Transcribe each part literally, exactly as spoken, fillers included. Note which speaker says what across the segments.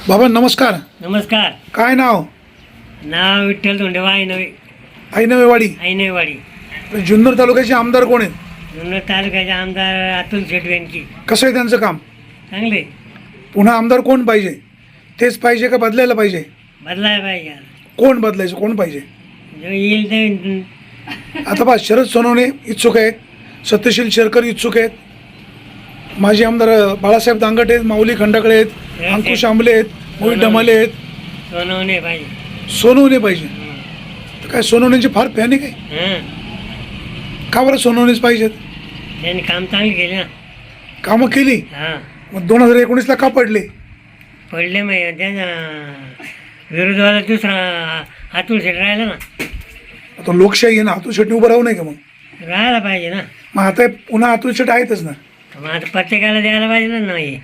Speaker 1: बाबा नमस्कार.
Speaker 2: नमस्कार.
Speaker 1: काय नाव?
Speaker 2: नाव विठ्ठल धोंडेवा आईनवे.
Speaker 1: ऐनवेवाडी.
Speaker 2: आईनवेवाडी.
Speaker 1: जुन्नर तालुक्याचे आमदार कोण आहेत?
Speaker 2: जुन्नर तालुक्याचे आमदार अतुल शेठ वेंकी.
Speaker 1: कसं आहे त्यांचं काम?
Speaker 2: चांगले.
Speaker 1: पुन्हा आमदार कोण पाहिजे? तेच पाहिजे का बदलायला पाहिजे?
Speaker 2: बदलायला पाहिजे.
Speaker 1: कोण बदलायचं? कोण पाहिजे?
Speaker 2: जो येईल ते.
Speaker 1: आता पहा, शरद सोनवणे इच्छुक आहेत, सत्यशील शेरकर इच्छुक आहेत, माजी आमदार बाळासाहेब दांगट आहेत, माऊली खंडाकडे आहेत, अंकुश आंबले आहेत, मोहित ढमाले आहेत.
Speaker 2: सोनवणे पाहिजे.
Speaker 1: सोनवणे पाहिजे. तर काय सोनवणेची फार फॅन आहे काय?
Speaker 2: हां,
Speaker 1: का बरं सोनवणेच पाहिजेत?
Speaker 2: त्यांनी काम चांगले केले ना.
Speaker 1: कामं केली.
Speaker 2: हां,
Speaker 1: मग दोन हजार एकोणीसला का पडले?
Speaker 2: पडले मग त्याचा विरोधाला दुसरा अतुल शेठ राहिला ना.
Speaker 1: आता लोकशाही आहे ना, अतुल शेट्टी उभं राहू नये का? मग
Speaker 2: राहायला पाहिजे ना.
Speaker 1: मग आता पुन्हा अतुल शेट आहेतच ना.
Speaker 2: मग आता प्रत्येकाला द्यायला पाहिजे ना. नाही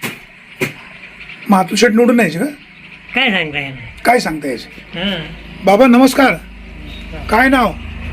Speaker 1: मग अतुल शेट निवडून यायचे का?
Speaker 2: काय सांगता येणार.
Speaker 1: काय सांगता यायचं?
Speaker 2: हां,
Speaker 1: बाबा नमस्कार. काय नाव?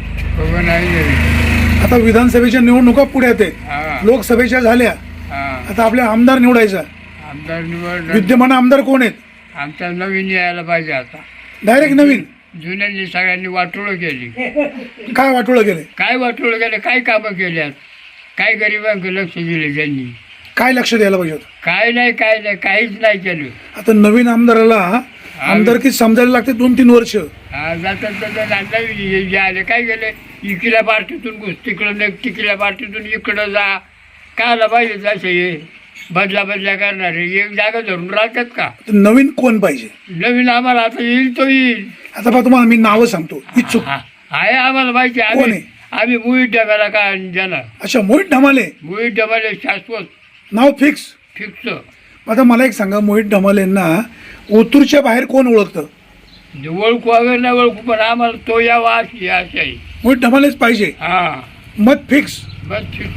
Speaker 1: आता विधानसभेच्या निवडणुका पुढ्यात आहेत, लोकसभेच्या झाल्या, आता आपल्या आमदार निवडायचा.
Speaker 3: आमदार निवड
Speaker 1: विद्यमान आमदार कोण आहेत?
Speaker 3: आमचा नवीन यायला पाहिजे. आता
Speaker 1: डायरेक्ट नवीन?
Speaker 3: जुन्यांनी सगळ्यांनी वाटोळं केली.
Speaker 1: काय वाटोळं गेले?
Speaker 3: काय वाटोळं केलं? काय कामं केल्यात? काय गरिबांकडे लक्ष दिले त्यांनी?
Speaker 1: काय लक्ष द्यायला पाहिजे होतं?
Speaker 3: काय नाही, काय नाही, काहीच नाही केलं.
Speaker 1: आता नवीन आमदाराला आमदारकी समजायला लागते दोन तीन वर्ष.
Speaker 3: हा, जातात जातात नवीन जे आले काय केलं? इकडल्या पार्टीतून घुस, तिकडं नाही, तिकडल्या पार्टीतून इकडं जा. कायला पाहिजे जसे हे बदला बदल्या करणारे एक जागा धरून राहतात का?
Speaker 1: तर नवीन कोण पाहिजे?
Speaker 3: नवीन आम्हाला आता येईल तो येईल.
Speaker 1: आता पहा, तुम्हाला मी नावं सांगतो. इच्छुक
Speaker 3: हा, आहे आम्हाला माहिती.
Speaker 1: कोण
Speaker 3: आम्ही
Speaker 1: आहे?
Speaker 3: आम्ही मुळी डब्याला काय देणार?
Speaker 1: अच्छा, मोहित ढमाले.
Speaker 3: मुळी डब्याला शाश्वत
Speaker 1: नाव फिक्स.
Speaker 3: फिक्स.
Speaker 1: आता मला एक सांगा, मोहित ढमालेंना ओतूरच्या बाहेर कोण ओळखतं?
Speaker 3: ओळखू वगैरे नाही ओळखू, पण आम्हाला तो यावा अशी आशा आहे.
Speaker 1: मोहित ढमालेच पाहिजे.
Speaker 3: हा,
Speaker 1: मत फिक्स.
Speaker 3: बस फिक्स.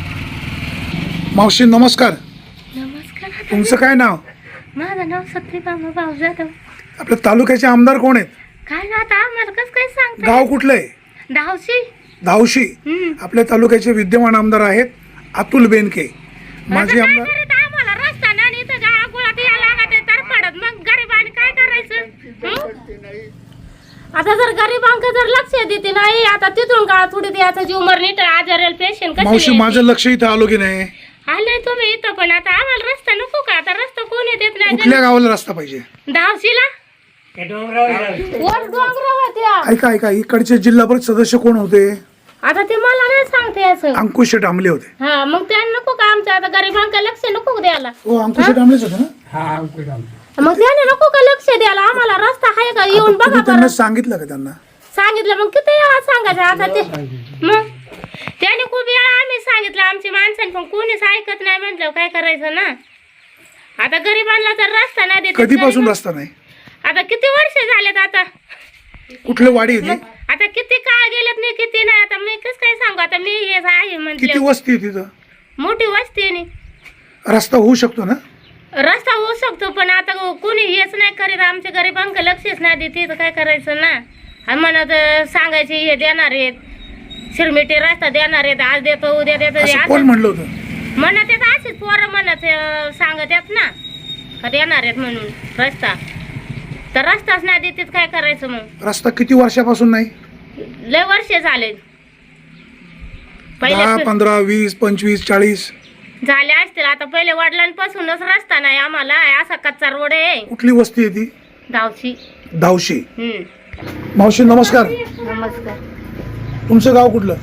Speaker 1: मावशी नमस्कार.
Speaker 4: नमस्कार.
Speaker 1: तुमचं काय नाव?
Speaker 4: माझं नाव सत्यभामा भाऊ जाधव.
Speaker 1: आपल्या तालुक्याचे आमदार कोण आहेत?
Speaker 4: काय ना आता आम्हाला कसं काय सांगता?
Speaker 1: गाव कुठलं आहे?
Speaker 4: धावशी.
Speaker 1: धावशी.
Speaker 4: हम्म.
Speaker 1: आपल्या तालुक्याचे विद्यमान आमदार आहेत अतुल बेनके. माजी
Speaker 4: आता काय
Speaker 1: आमदार.
Speaker 4: करत आम्हाला रस्ता नाही इथं गाळा गुळात यायला लागत आहे तर पडत मग गरिबांनी काय करायचं? हं? आता जर गरिबांक जर लक्ष देते नाही, आता तिथून का थोडी द्यायचा जीव मरणीट आजारेल पेशंट
Speaker 1: मावशी
Speaker 4: कशी
Speaker 1: माझं लक्ष इथं आलो की नाही?
Speaker 4: आलंय तुम्ही इथं, पण आता आम्हाला रस्ता नको का? आता रस्ता कोणी देत
Speaker 1: कुठल्या
Speaker 4: नाही.
Speaker 1: गावाला रस्ता पाहिजे?
Speaker 4: धावशीला
Speaker 2: त्या डोंगरावर जाऊ.
Speaker 4: वर डोंगरावरती.
Speaker 1: ऐका ऐका, इकडचे जिल्हा परिषद सदस्य कोण होते?
Speaker 4: आता ते मला नाही सांगते असं.
Speaker 1: अंकुश शेट आंबले होते.
Speaker 4: हा, मग त्यांना नको का आमच्या आता गरिबांका लक्ष नको द्यायला?
Speaker 1: हो, अंकुश शेट आंबलेच होते ना?
Speaker 3: हा, अंकुश आमचा.
Speaker 4: मग त्याने नको का लक्ष द्यायला? आम्हाला रस्ता आहे का? येऊन
Speaker 1: आता
Speaker 4: बघा
Speaker 1: तुम्ही त्यांना
Speaker 4: बरं.
Speaker 1: सांगितलं का त्यांना?
Speaker 4: सांगितलं मग किती वेळा सांगायचं आता ते. मग त्याने खूप वेळा आम्ही सांगितलं आमची माणसांनी, पण कोणीच ऐकत नाही. म्हटलं काय करायचं ना. आता गरिबांना जर रस्ता नाही देत.
Speaker 1: कधीपासून रस्ता नाही?
Speaker 4: आता किती वर्ष झालेत आता.
Speaker 1: कुठलं वाडी होती?
Speaker 4: आता किती काळ गेलेत नाही, किती नाही. आता मी कसं काय सांगू? आता मी हे आहे
Speaker 1: किती
Speaker 4: म्हटलं.
Speaker 1: वस्ती आहे तिथं?
Speaker 4: मोठी वस्ती आहे नी.
Speaker 1: रस्ता होऊ शकतो ना?
Speaker 4: रस्ता होऊ शकतो, पण आता कोणी हेच नाही करीत. आमच्या गरिबांक लक्षच नाही देते तर काय करायचं ना. आणि म्हणत सांगायचे हे देणार आहेत, शिरमिटे रस्ता देणार आहेत, आज देतो उद्या देतो.
Speaker 1: असं कोण म्हणलं होतं?
Speaker 4: म्हणत येत असेच पोरं म्हणत अं, सांगत येत ना का देणार आहेत म्हणून रस्ता. तर रस्ताच नाही देतात काय करायचं मग?
Speaker 1: रस्ता किती वर्षापासून नाही?
Speaker 4: लय वर्ष झाले.
Speaker 1: दहा
Speaker 4: पहिले
Speaker 1: पंधरा वीस पंचवीस चाळीस
Speaker 4: झाले असतील. आता पहिले वडिलांपासूनच रस्ता नाही आम्हाला. असा कच्चा रोड आहे.
Speaker 1: कुठली वस्ती आहे ती?
Speaker 4: धावशी.
Speaker 1: धावशी.
Speaker 4: हम्म.
Speaker 1: मावशी नमस्कार.
Speaker 4: नमस्कार.
Speaker 1: तुमचं गाव कुठलं?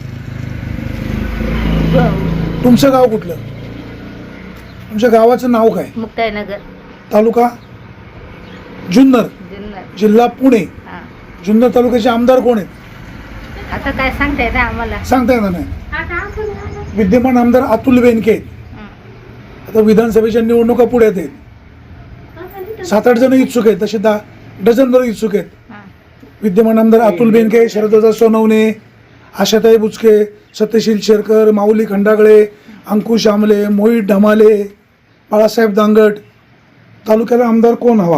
Speaker 1: तुमचं गाव कुठलं? तुमच्या गावाचं नाव काय?
Speaker 4: मुक्ताईनगर.
Speaker 1: तालुका जुन्नर.
Speaker 4: जुन्नर.
Speaker 1: जिल्हा पुणे.
Speaker 4: हा.
Speaker 1: जुन्नर तालुक्याचे आमदार कोण आहेत?
Speaker 4: आता काय सांगता येतं आम्हाला?
Speaker 1: सांगता येणार नाही. विद्यमान आमदार अतुल बेनके आहेत. आता विधानसभेच्या निवडणुका पुढ्यात आहेत. सात आठ जण इच्छुक आहेत, तसे दहा डझनभर इच्छुक आहेत. विद्यमान आमदार अतुल बेनके, शरददादा सोनवणे, आशाताई बुचके, सत्यशील शेरकर, माऊली खंडागळे, अंकुश आंबले, मोहित ढमाले, बाळासाहेब दांगट. तालुक्याला आमदार कोण हवा?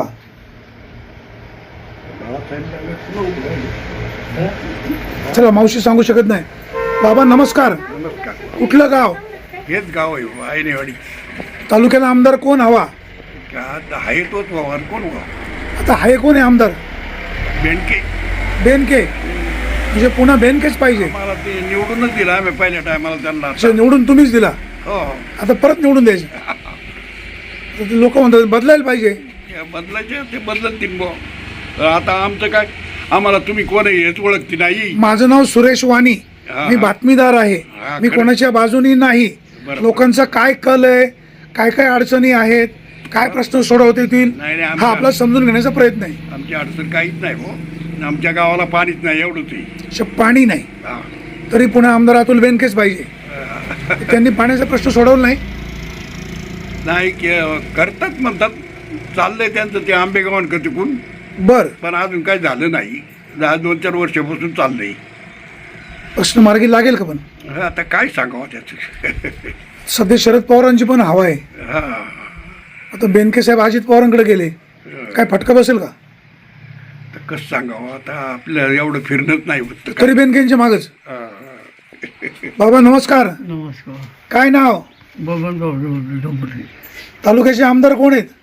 Speaker 1: चला, मावशी सांगू शकत नाही. बाबा नमस्कार.
Speaker 5: नमस्कार.
Speaker 1: कुठलं गाव?
Speaker 5: हेच गाव आहे ऐनेवाडी.
Speaker 1: तालुक्याला आमदार कोण हवा?
Speaker 5: का आहे तोच व्हावा आणि कोण व्हावं?
Speaker 1: आता आहे कोण आहे आमदार?
Speaker 5: बेंडके
Speaker 1: बेनके, म्हणजे पुन्हा बेनकेच पाहिजे.
Speaker 5: मला ते निवडूनच दिला आम्ही पहिल्या टायमाला त्यांना.
Speaker 1: अच्छा, निवडून तुम्हीच दिला,
Speaker 5: हो,
Speaker 1: आता परत निवडून द्यायचं. लोक म्हणतात बदलायला पाहिजे.
Speaker 5: ते बदलायचे ते बदलतील बुवा. तर आता आमचं काय, आम्हाला तुम्ही कोण आहे हेच ओळखती नाही.
Speaker 1: माझं नाव सुरेश वाणी,
Speaker 5: हा,
Speaker 1: मी
Speaker 5: हा.
Speaker 1: बातमीदार आहे.
Speaker 5: हा,
Speaker 1: मी
Speaker 5: खरं.
Speaker 1: कोणाच्या बाजूनी नाही.
Speaker 5: बरोबर.
Speaker 1: लोकांचा काय कल आहे, काय काय अडचणी आहेत, काय प्रश्न सोडवता येतील,
Speaker 5: नाही, नाही,
Speaker 1: हा
Speaker 5: आमच्या-
Speaker 1: आपला समजून घेण्याचा प्रयत्न आहे.
Speaker 5: आमची अडचण काहीच नाही हो. आमच्या गावाला पाणीच नाही एवढंच आहे.
Speaker 1: अच्छा, पाणी नाही
Speaker 5: हा.
Speaker 1: तरी पुन्हा आमदार अतुल बेनकेच पाहिजे. त्यांनी पाण्याचा प्रश्न सोडवला नाही.
Speaker 5: नाही के- करतात म्हणतात, चाललंय त्यांचं ते आंबेगावान का तिकून,
Speaker 1: बर,
Speaker 5: पण अजून काही झालं नाही. दहा दोन चार वर्षापासून चाललंय.
Speaker 1: प्रश्न मार्गी लागेल का? पण
Speaker 5: आता काय सांगावं त्याचं.
Speaker 1: सध्या शरद पवारांची पण हवा आहे.
Speaker 5: हा.
Speaker 1: आता बेनके साहेब अजित पवारांकडे गेले, काय फटका बसेल का?
Speaker 5: तर कसं सांगावं आता, आपल्याला एवढं फिरणंच नाही होत.
Speaker 1: तरी बेनकेंच्या मागच.
Speaker 5: हा.
Speaker 1: बाबा नमस्कार,
Speaker 3: नमस्कार.
Speaker 1: काय नाव?
Speaker 3: बबन डोंबरे.
Speaker 1: तालुक्याचे आमदार कोण आहेत?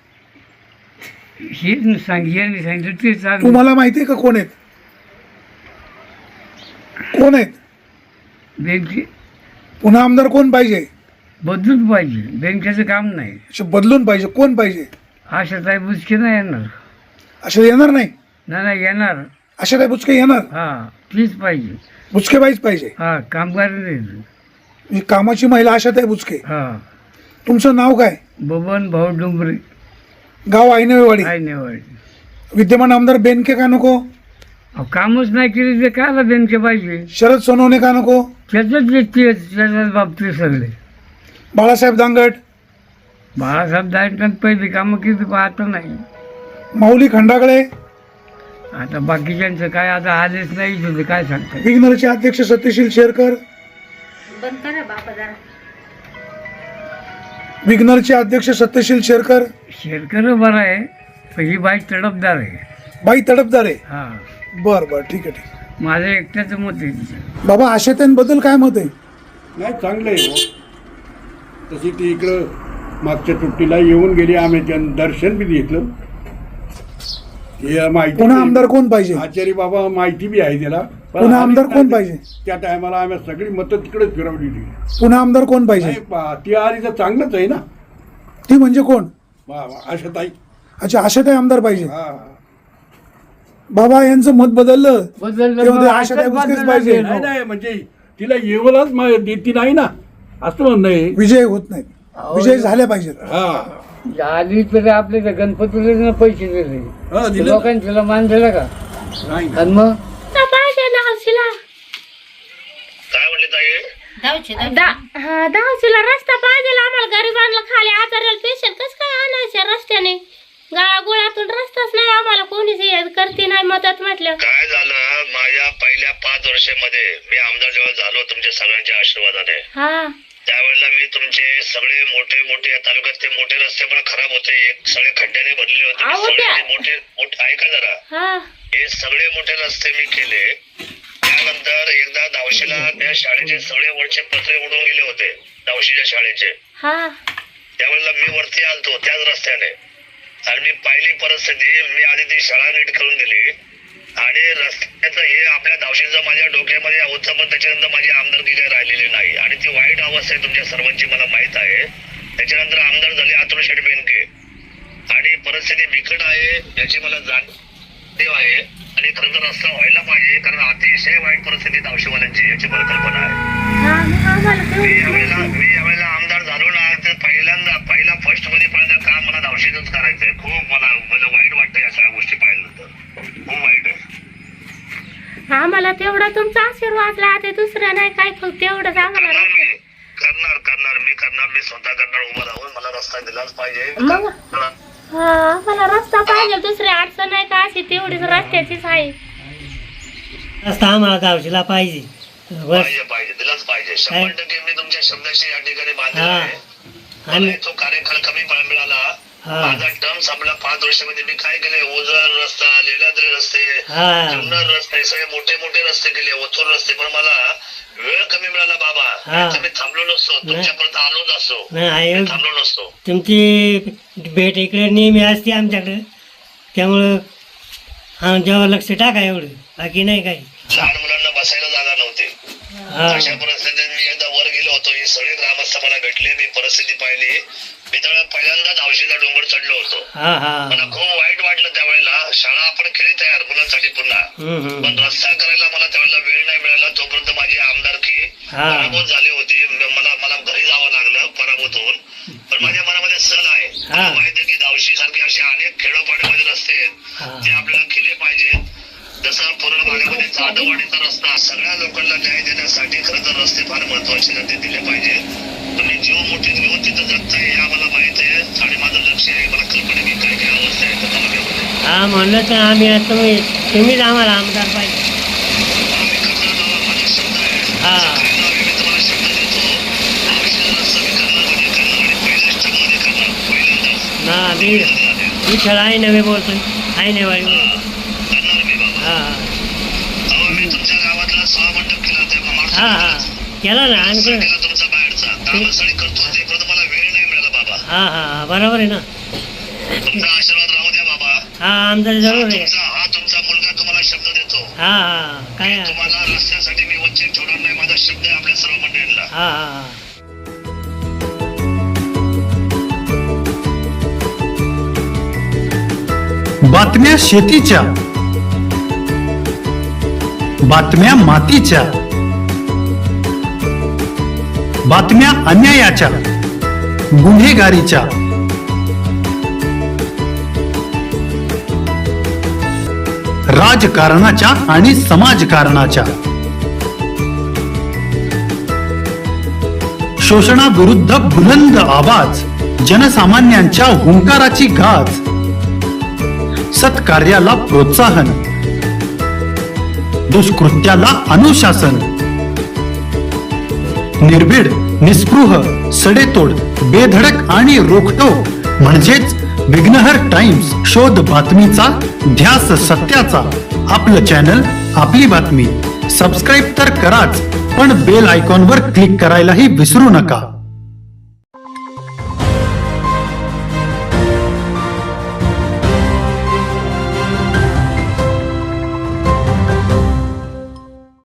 Speaker 3: हे सांगितलं सांगितलं ते चालू.
Speaker 1: तुम्हाला माहिती आहे का कोण आहेत? कोण आहेत?
Speaker 3: बँके
Speaker 1: पुन्हा आमदार कोण पाहिजे?
Speaker 3: बदलूच पाहिजे, बँकेचं काम नाही.
Speaker 1: अच्छा, बदलून पाहिजे. कोण पाहिजे?
Speaker 3: आशाताई बुचके नाही येणार.
Speaker 1: अशा येणार नाही.
Speaker 3: नाही नाही येणार.
Speaker 1: अशा काय बुचके येणार?
Speaker 3: हा तीच पाहिजे.
Speaker 1: बुचके बाईच पाहिजे.
Speaker 3: हा कामगार नाही.
Speaker 1: म्हणजे कामाची महिला आशात आहे बुचके.
Speaker 3: हा
Speaker 1: तुमचं नाव काय?
Speaker 3: बबन भाऊ डोंबरे.
Speaker 1: गाव आयनवेवाडी.
Speaker 3: काय नाही वाढ.
Speaker 1: विद्यमान आमदार बेनके का नको?
Speaker 3: कामच नाही केली ते कायला बँके पाहिजे.
Speaker 1: शरद सोनवणे का नको?
Speaker 3: त्याच्याच व्यक्ती त्याच्याच बाबतीत सगळे.
Speaker 1: बाळासाहेब दांगट,
Speaker 3: बाळासाहेब दायकांत पहिली कामं केली पण आता नाही.
Speaker 1: माऊली खंडागळे,
Speaker 3: आता बाकीच्यांचं काय आता आलेच नाही तुझे काय सांगतात.
Speaker 1: विग्नरचे अध्यक्ष सत्यशील शेरकर,
Speaker 4: बंद करा बापा जरा.
Speaker 1: विग्नरचे अध्यक्ष सत्यशील शेरकर.
Speaker 3: शेरकर बरं आहे पण ही बाई तडपदार आहे.
Speaker 1: बाई तडपदार आहे.
Speaker 3: हा
Speaker 1: बर बर, ठीक आहे, ठीक आहे.
Speaker 3: माझं एकट्याचं मत आहे.
Speaker 1: बाबा आशाताईंबद्दल काय मत आहे?
Speaker 5: नाही चांगलं आहे हो. तशी ती इकडं मागच्या सुट्टीला येऊन गेली, आम्ही त्यांना दर्शन बी घेतलं. हे माहिती
Speaker 1: पुन्हा आमदार कोण पाहिजे?
Speaker 5: आचार्य बाबा माहिती बी आहे त्याला. पण
Speaker 1: पुन्हा
Speaker 5: आम्ही
Speaker 1: आमदार कोण
Speaker 5: त्या-
Speaker 1: पाहिजे?
Speaker 5: त्या टायमाला आम्ही सगळी मतं तिकडेच फिरवलेली.
Speaker 1: पुन्हा आमदार कोण पाहिजे?
Speaker 5: नाही पा- ती आली तर चांगलंच आहे ना.
Speaker 1: ती म्हणजे कोण?
Speaker 5: वा वा, आशाताई.
Speaker 1: अच्छा, आशाताई आमदार पाहिजे.
Speaker 5: हा.
Speaker 1: बाबा यांचं मत बदललं.
Speaker 3: बदललं
Speaker 1: तेव्हा ते
Speaker 3: मग
Speaker 1: आशाताई
Speaker 3: आशाच
Speaker 1: बुचकेच
Speaker 3: बदलणार
Speaker 1: पाहिजे.
Speaker 3: नाही.
Speaker 5: नाही नाही म्हणजे तिला येवलाच मा- देती नाही ना, असं म्हणणं आहे.
Speaker 1: विजय होत नाही, विजय झाल्या पाहिजेत.
Speaker 5: हा
Speaker 3: आली तर आपले तर गणपतीला पैसे दिले.
Speaker 5: हा, दिलं.
Speaker 3: लोकांना मान दिला का?
Speaker 5: नाही
Speaker 3: आणि मग
Speaker 4: पाहिजे ना हौशीला.
Speaker 6: काय म्हणले ताई?
Speaker 4: दा- हा, दहाशीला रस्ता पाहिजे आम्हाला. गरिबांना खाली आजाराला पेशंट कसं काय आणायच्या रस्त्याने? गाळागोळातून रस्ताच नाही आम्हाला, कोणीच हे करते नाही मदत म्हटलं.
Speaker 6: काय झालं, माझ्या पहिल्या पाच वर्षामध्ये मी आमदार जेव्हा झालो तुमच्या सगळ्यांच्या आशीर्वादाने,
Speaker 4: हा
Speaker 6: त्यावेळेला मी तुमचे सगळे मोठे मोठे या तालुक्यात ते मोठे रस्ते पण खराब होते, एक सगळे खड्ड्याने भरलेले होते. मी
Speaker 4: अहो,
Speaker 6: सगळे
Speaker 4: त्या-
Speaker 6: ते मोठे मोठे ऐका जरा,
Speaker 4: हा
Speaker 6: हे सगळे मोठे रस्ते मी केले. त्यानंतर एकदा दावशीला त्या शाळेचे सगळे वरचे पत्रे उडून गेले होते, दावशीच्या शाळेचे.
Speaker 4: हा
Speaker 6: त्यावेळेला मी वरती आलतो त्याच रस्त्याने आणि मी पाहिली परिस्थिती. मी आधी ती शाळा नीट करून दिली आणि रस्त्याचं हे आपल्या दावशीचं माझ्या डोक्यामध्ये होतं, पण त्याच्यानंतर माझी आमदारकी काही राहिलेली नाही आणि ती वाईट अवस्था आहे तुमच्या सर्वांची मला माहित आहे. त्याच्यानंतर आमदार झाले अतुल शेठ बेनके आणि परिस्थिती बिकट आहे याची मला जाणीव आहे आणि खरं तर रस्ता व्हायला पाहिजे, कारण अतिशय वाईट परिस्थिती दावशीवाल्यांची याची मला कल्पना आहे.
Speaker 4: हा मग आम्हाला
Speaker 6: मी
Speaker 4: तेवढं
Speaker 6: यावेळेला मी यावेळेला आमदार झालो ना, तर पहिल्यांदा पहिला फर्स्ट मध्ये पहिल्यांदा काम मला दावशीतच करायचंय. खूप मला मला वाईट वाटतं या सगळ्या गोष्टी पाहिल्यानंतर, खूप वाईट आहे.
Speaker 4: आम्हाला तेवढा तुमचा आशीर्वाद लागते, दुसरं नाही काय, फक्त तेवढंच आम्हाला
Speaker 6: करणार
Speaker 4: राहते.
Speaker 6: मी करणार करणार मी करणार मी स्वतः करणार. उभं राहून मला रस्ता दिलाच पाहिजे.
Speaker 4: मग हा आम्हाला रस्ता पाहिजे, दुसरी अडचण नाही का, अशी तेवढीच रस्त्याचीच आहे.
Speaker 2: रस्ता आम्हाला दावशीला पाहिजे बस.
Speaker 6: पाहिजे पाहिजे दिलाच पाहिजे. शंभर टक्के मी तुमच्या शब्दाशी या ठिकाणी बांधलेला
Speaker 2: हा.
Speaker 6: आहे. मला
Speaker 2: आणि
Speaker 6: तो कार्यकाळ कमी पडा मिळाला.
Speaker 2: हा.
Speaker 6: माझा टर्म संपला पाच वर्षामध्ये. मी काय केले, ओझर रस्ता, लेलाद्री रस्ते,
Speaker 2: हा
Speaker 6: जुन्नर रस्ते, सगळे मोठे मोठे रस्ते केले, ओथूर रस्ते. पण मला वेळ कमी मिळाला बाबा,
Speaker 2: हा.
Speaker 6: नाहीतर मी थांबलो नसतो, तुमच्यापर्यंत आलोच असतो,
Speaker 2: नाही आहे
Speaker 6: मी थांबलो नसतो.
Speaker 2: तुमची भेट इकडे नेहमी असते आमच्याकडे, त्यामुळं हा जेव्हा लक्ष टाका एवढं, बाकी नाही काही.
Speaker 6: लहान मुलांना बसायला जागा नव्हती.
Speaker 2: हा
Speaker 6: अशा परिस्थितीत मी एकदा वर गेलो होतो, हे सगळे ग्रामस्थ मला भेटले, मी परिस्थिती पाहिली. मी त्यावेळेला पहिल्यांदाच औषधा डोंगर चढलो होतो.
Speaker 2: हा हा
Speaker 6: मला खूप वाईट वाटलं त्यावेळेला. शाळा आपण केली तयार मुलांसाठी पुन्हा,
Speaker 2: हम्म, हम्म.
Speaker 6: पण रस्ता करायला मला त्यावेळेला वेळ नाही मिळाला. तोपर्यंत माझी आमदारकी
Speaker 2: हा.
Speaker 6: पराभूत झाली होती. म- मला मला घरी जावं लागलं पराभूत होऊन. पण माझ्या मनामध्ये सल आहे, मला
Speaker 2: हा.
Speaker 6: माहिती आहे की दावशी सारखे असे अनेक खेडोपाड्यामध्ये रस्ते आहेत,
Speaker 2: हा.
Speaker 6: ते आपल्याला केले पाहिजेत. जसं पूर्ण भागामध्ये जाधववाडीचा रस्ता, सगळ्या लोकांना न्याय देण्यासाठी खरं तर रस्ते फार महत्वाचे ना, ते दिले पाहिजे. तुम्ही जीव मोठीत घेऊन तिथं जगताय हे आम्हाला माहित आहे आणि माझं लक्ष आहे. मला कल्पना आहे की काय काय अवस्था आहे त्या तालुक्यामध्ये.
Speaker 2: हा म्हणलं तर आम्ही आता तुम्ही तुम्हीच आम्हाला आमदार पाहिजे.
Speaker 6: आम्ही करणार बाबा, माझा शब्द आहे.
Speaker 2: हा.
Speaker 6: सगळे नाव मी तुम्हाला शब्द देतो. औषध रस्ता मी करणार म्हणजे करणार आणि पहिल्याच टर्ममध्ये करणार, पहिल्यांदाच.
Speaker 2: ना मी विठ्ठल आहे नव्हे बोलतोय, आहे नाही वाई
Speaker 6: हा, करणार मी बाबा.
Speaker 2: हा
Speaker 6: अहो, मी तुमच्या गावातला सभामंडप केला तेव्हा मागच्या
Speaker 2: हा हा
Speaker 6: महिन्यात.
Speaker 2: केला ना आणि
Speaker 6: रस्ता
Speaker 2: कोण-
Speaker 6: केला तुमचा बाहेरचा, ग्रामस्थळी करतो ते, परंतु मला वेळ नाही मिळाला बाबा.
Speaker 2: हा हा बरोबर आहे ना.
Speaker 6: तुमचा आशीर्वाद राहू द्या बाबा.
Speaker 2: हा आमदार
Speaker 6: हा
Speaker 2: जरूर आहे.
Speaker 6: तुमचा हा तुमचा मुलगा तुम्हाला शब्द देतो.
Speaker 2: हा हा काय हा
Speaker 6: तुम्हाला रस्त्यासाठी मी वंचित ठेवणार नाही, माझा शब्द आहे आपल्या सर्व मंडळींना.
Speaker 2: हा हा
Speaker 7: बातम्या शेतीच्या, बातम्या मातीच्या, बातम्या अन्यायाच्या, गुन्हेगारीच्या, राजकारणाच्या आणि समाजकारणाच्या, शोषणाविरुद्ध बुलंद आवाज, जनसामान्यांच्या हुंकाराची गाज, सत्कार्याला प्रोत्साहन, दुष्कृत्याला अनुशासन, निर्भीड, निस्पृह, सडेतोड, बेधडक आणि रोखटोक म्हणजेच विघ्नहर टाइम्स. शोध बातमीचा, ध्यास सत्याचा. आपलं चॅनल, आपली बातमी. सबस्क्राईब तर कराच, पण बेल आयकॉनवर क्लिक करायलाही विसरू नका.